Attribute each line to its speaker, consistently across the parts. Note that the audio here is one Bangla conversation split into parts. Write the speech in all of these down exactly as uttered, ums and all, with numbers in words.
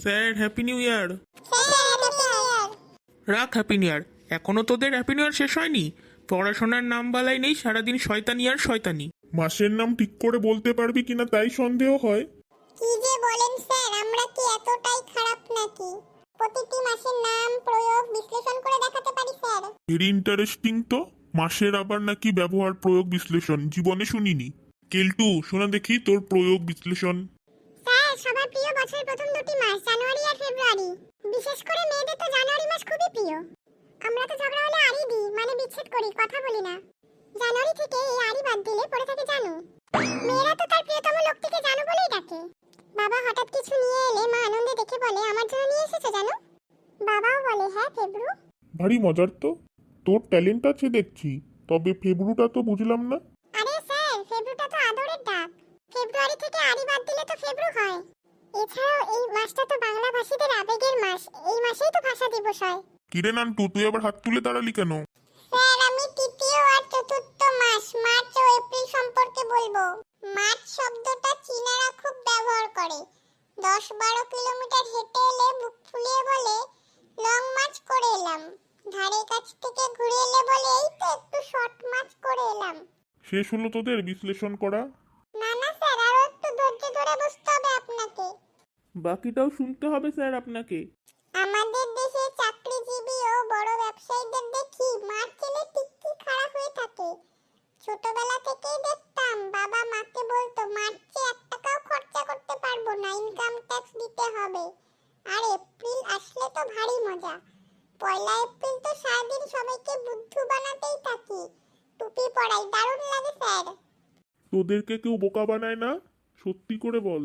Speaker 1: Sir happy new year.
Speaker 2: Sir happy new year.
Speaker 1: রাখ হ্যাপি নিউ ইয়ার, এখনো তোদের হ্যাপি নিউ ইয়ার শেষ হয়নি? পড়াশোনার নাম বালাই নেই, সারাদিন শয়তানি আর শয়তানি।
Speaker 3: মাসের নাম ঠিক করে বলতে পারবি কিনা তাই সন্দেহ হয়।
Speaker 2: কি যে বলেন স্যার, আমরা কি এতটাই খারাপ নাকি? প্রতিটি মাসের নাম প্রয়োগ বিশ্লেষণ করে দেখাতে পারি স্যার।
Speaker 3: ভেরি ইন্টারেস্টিং তো। মাসের আবার নাকি ব্যবহার প্রয়োগ বিশ্লেষণ জীবনে শুনিনি। কেলটু শোনা দেখি তোর প্রয়োগ বিশ্লেষণ।
Speaker 2: স্যার, সবার প্রিয় বছরের প্রথম দুটি মাস জানুয়ারি আর ফেব্রুয়ারি। বিশেষ করে মেয়েদের তো জানুয়ারি মাস খুবই প্রিয়। আমরা তো ঝগড়া হলে আড়ি দিই, মানে বিচ্ছেদ করি, কথা বলি না। জানুয়ারি থেকে এই আড়ি বাদ দিলে পড়ে থাকে জানু। মেয়েরা তো তার প্রিয়তম লোকটিকে জানু বলেই ডাকে। বাবা হঠাৎ কিছু নিয়ে এলে মা আনন্দে দেখে বলে, আমার জন্য নিয়ে এসেছো জানু? বাবাও বলে, হ্যাঁ ফেব্রু।
Speaker 3: ভারী মজার তো, তোর ট্যালেন্ট আছে দেখছি। তবে ফেব্রুটা তো বুঝলাম না।
Speaker 2: আরে স্যার, ফেব্রুটা তো আদরের ডাক। ফেব্রুয়ারি থেকে আড়ি বাদ দিলে তো ফেব্রু হয়। এছাড়াও এই মাসটা তো বাংলা ভাষীদের আবেগের মাস। এই মাসেই তো ভাষা দিবস হয়।
Speaker 3: কিরে নান্টু, তুই আবার হাত তুলে দাঁড়ালি কেন?
Speaker 2: স্যার, আমি তৃতীয় আর চতুর্থ মাস মার্চ ও এপ্রিল সম্পর্কে বলবো। মার্চ শব্দটা চীনারা খুব ব্যবহার করে। দশ বারো কিলোমিটার হেঁটে এলে বুক ফুলিয়ে বলে, লং মার্চ করে এলাম। ধারে কাছ থেকে ঘুরে এলে বলে, এই তো একটু শর্ট মার্চ করে এলাম।
Speaker 3: শেষ হলো তোদের বিশ্লেষণ করা?
Speaker 2: না না স্যার, আরো একটু ধৈর্য ধরে বসতে হবে আপনাকে।
Speaker 1: বাকিটাও শুনতে হবে স্যার আপনাকে।
Speaker 2: আমাদের দেশে চাকরিজীবী ও বড় ব্যবসায়ীদের দেখি মার্চ এলে টিকটি খারাপ হয়ে থাকে। ছোটবেলা থেকেই দেখতাম বাবা মাকে বলতো, মার্চে এক টাকাও খরচা করতে পারবো না, ইনকাম ট্যাক্স দিতে হবে। আর এপ্রিল আসলে তো ভারী মজা। পয়লা এপ্রিল তো সারাদিন সবাইকে বুদ্ধু বানাতেই থাকি। টুপি পরাই, দারুণ লাগে স্যার।
Speaker 3: তোদেরকে কেউ বোকা বানায় না? সত্যি করে বল।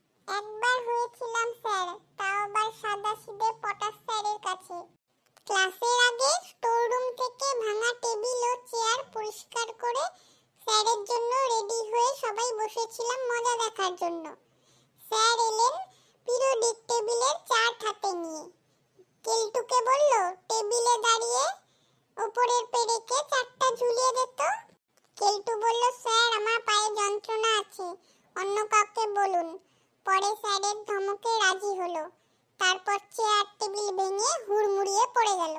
Speaker 2: একবার হয়েছিলাম স্যার, তাও আবার সাদাসিধে পটাশ স্যারের কাছে। ক্লাসের আগে স্টোর রুম থেকে ভাঙা টেবিল ও চেয়ার পরিষ্কার করে স্যারের জন্য রেডি হয়ে সবাই বসেছিলাম মজা দেখার জন্য। স্যার এলেন পিরিয়ডিক টেবিলের চার্ট হাতে নিয়ে। কেলটুকে বলল, টেবিলে দাঁড়িয়ে উপরের পেরেকে চারটা ঝুলিয়ে দিত। কেলটু বলল, স্যার আমার পায়ে যন্ত্রণা আছে, অন্য কাউকে বলুন। পরে স্যারের ধমকে রাজি হলো। তারপর চেয়ার টেবিল ভেঙে হুড়মুড়িয়ে পড়ে গেল।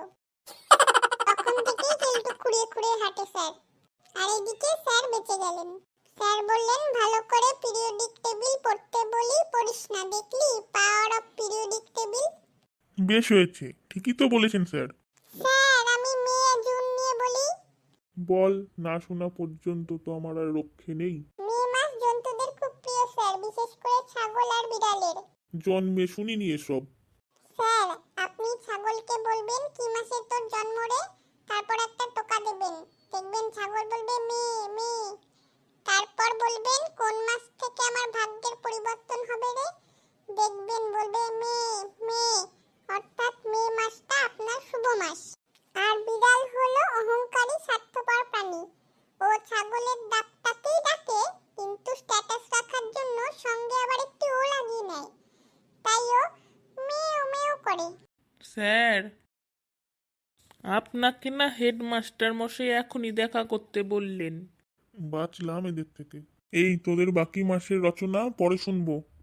Speaker 2: তখন থেকেই কেলটু খুঁড়িয়ে খুঁড়িয়ে হাঁটে স্যার। আর এদিকে স্যার বেঁচে গেলেন। স্যার বললেন, ভালো করে পিরিয়ডিক টেবিল পড়তে বলি, পড়িস না, দেখলি পাওয়ার অফ পিরিয়ডিক টেবিল।
Speaker 3: বেশ হয়েছে, ঠিকই তো বলেছেন স্যার।
Speaker 2: স্যার, আমি মে জুন নিয়ে বলি।
Speaker 3: বল, না শোনা পর্যন্ত তো আমার আর রক্ষে নেই।
Speaker 2: মে মাস জন্তুদের খুব প্রিয় স্যার, বিশেষ করে ছাগল আর বিড়ালের।
Speaker 3: জন্মে শুনিনি এসব।
Speaker 2: স্যার, আপনি ছাগলকে বলবেন, কি মাসে তোর জন্ম রে? তারপর একটা টোকা দেবেন। দেখবেন ছাগল বলবে মে মে। তারপর বলবেন, কোন মাস থেকে আমার ভাগ্যের পরিবর্তন হবে রে? দেখবেন বলবে মে মে। অর্থাৎ মে মাসটা আপনার শুভ মাস। আর বিড়াল হলো অহংকারী স্বার্থপর প্রাণী। ও ছাগলের ডাকটাকেই ডাকে, কিন্তু স্ট্যাটাস রাখার জন্য সঙ্গে আবার একটি ও লাগিয়ে নেয়। তাই ও মেও মেও করে।
Speaker 1: স্যার, আপনাকে না হেডমাস্টার মশাই এখনই দেখা করতে বললেন।
Speaker 3: বাঁচলাম এদের থেকে। এই তোদের বাকি মাসের রচনা পরে শুনবো।